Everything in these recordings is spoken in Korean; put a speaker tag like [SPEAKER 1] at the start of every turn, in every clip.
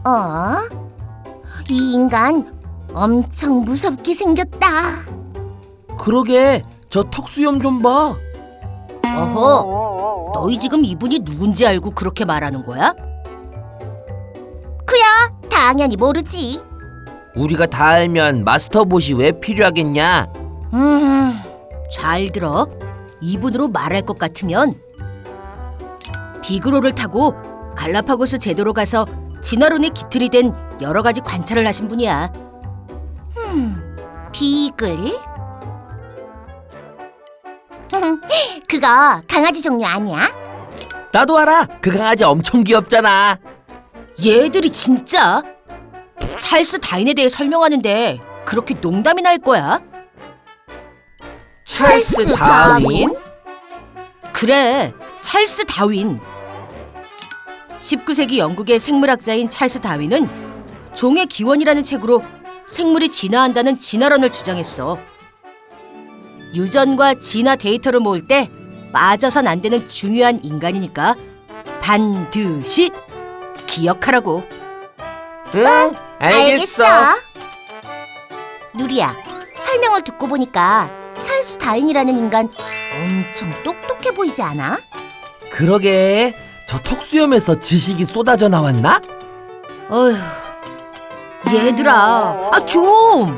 [SPEAKER 1] 이 인간 엄청 무섭게 생겼다.
[SPEAKER 2] 그러게, 저 턱수염 좀 봐.
[SPEAKER 3] 어허, 너희 지금 이분이 누군지 알고 그렇게 말하는 거야?
[SPEAKER 1] 그야 당연히 모르지.
[SPEAKER 2] 우리가 다 알면 마스터봇이 왜 필요하겠냐?
[SPEAKER 3] 잘 들어. 이분으로 말할 것 같으면 비그로를 타고 갈라파고스 제도로 가서 진화론에 기틀이 된 여러 가지 관찰을 하신 분이야.
[SPEAKER 1] 비글? 그거 강아지 종류 아니야?
[SPEAKER 2] 나도 알아. 그 강아지 엄청 귀엽잖아.
[SPEAKER 3] 얘들이 진짜 찰스 다윈에 대해 설명하는데 그렇게 농담이 날 거야?
[SPEAKER 2] 찰스 다윈?
[SPEAKER 3] 그래, 찰스 다윈. 19세기 영국의 생물학자인 찰스 다윈은 종의 기원이라는 책으로 생물이 진화한다는 진화론을 주장했어. 유전과 진화 데이터를 모을 때 빠져선 안 되는 중요한 인간이니까 반드시 기억하라고.
[SPEAKER 2] 응, 알겠어.
[SPEAKER 1] 누리야, 설명을 듣고 보니까 찰스 다윈이라는 인간 엄청 똑똑해 보이지 않아?
[SPEAKER 2] 그러게, 저 턱수염에서 지식이 쏟아져 나왔나?
[SPEAKER 3] 어휴, 얘들아, 좀!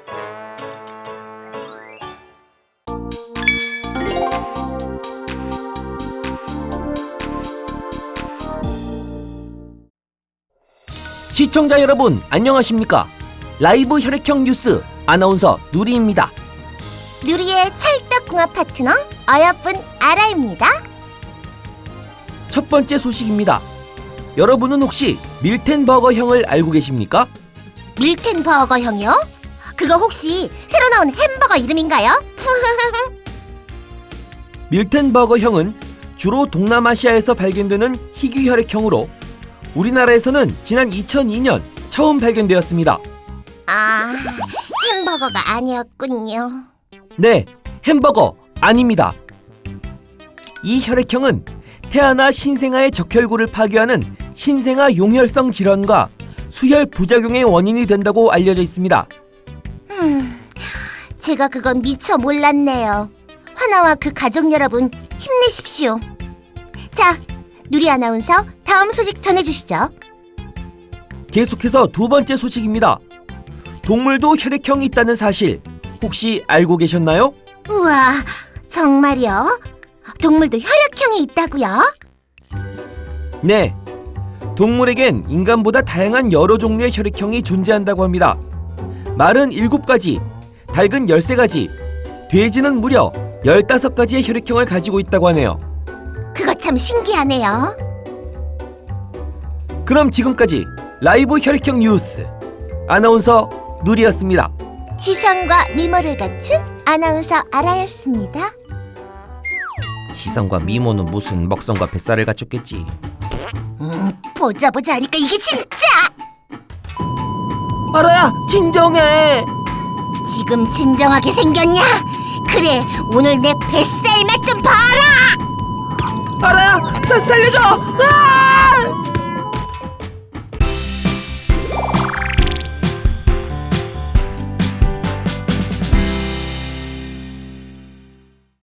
[SPEAKER 2] 시청자 여러분, 안녕하십니까? 라이브 혈액형 뉴스 아나운서 누리입니다.
[SPEAKER 1] 누리의 찰떡궁합 파트너 어여쁜 아라입니다.
[SPEAKER 2] 첫 번째 소식입니다. 여러분은 혹시 밀텐버거형을 알고 계십니까?
[SPEAKER 1] 밀텐버거형이요? 그거 혹시 새로 나온 햄버거 이름인가요?
[SPEAKER 2] 밀텐버거형은 주로 동남아시아에서 발견되는 희귀 혈액형으로 우리나라에서는 지난 2002년 처음 발견되었습니다.
[SPEAKER 1] 아, 햄버거가 아니었군요.
[SPEAKER 2] 네, 햄버거 아닙니다. 이 혈액형은 태아나 신생아의 적혈구를 파괴하는 신생아 용혈성 질환과 수혈 부작용의 원인이 된다고 알려져 있습니다.
[SPEAKER 1] 제가 그건 미처 몰랐네요. 화나와 그 가족 여러분 힘내십시오. 자, 누리 아나운서 다음 소식 전해주시죠.
[SPEAKER 2] 계속해서 두 번째 소식입니다. 동물도 혈액형이 있다는 사실 혹시 알고 계셨나요?
[SPEAKER 1] 우와, 정말요? 동물도 혈액형이 있다고요?
[SPEAKER 2] 네, 동물에겐 인간보다 다양한 여러 종류의 혈액형이 존재한다고 합니다. 말은 7가지, 닭은 13가지, 돼지는 무려 15가지의 혈액형을 가지고 있다고 하네요.
[SPEAKER 1] 그거 참 신기하네요.
[SPEAKER 2] 그럼 지금까지 라이브 혈액형 뉴스 아나운서 누리였습니다.
[SPEAKER 1] 지성과 미모를 갖춘 아나운서 아라였습니다.
[SPEAKER 2] 시선과 미모는 무슨 먹성과 뱃살을 갖췄겠지.
[SPEAKER 1] 보자 하니까 이게 진짜!
[SPEAKER 2] 아라야, 진정해.
[SPEAKER 1] 지금 진정하게 생겼냐? 그래, 오늘 내 뱃살 맛 좀 봐라!
[SPEAKER 2] 아라야, 살려줘.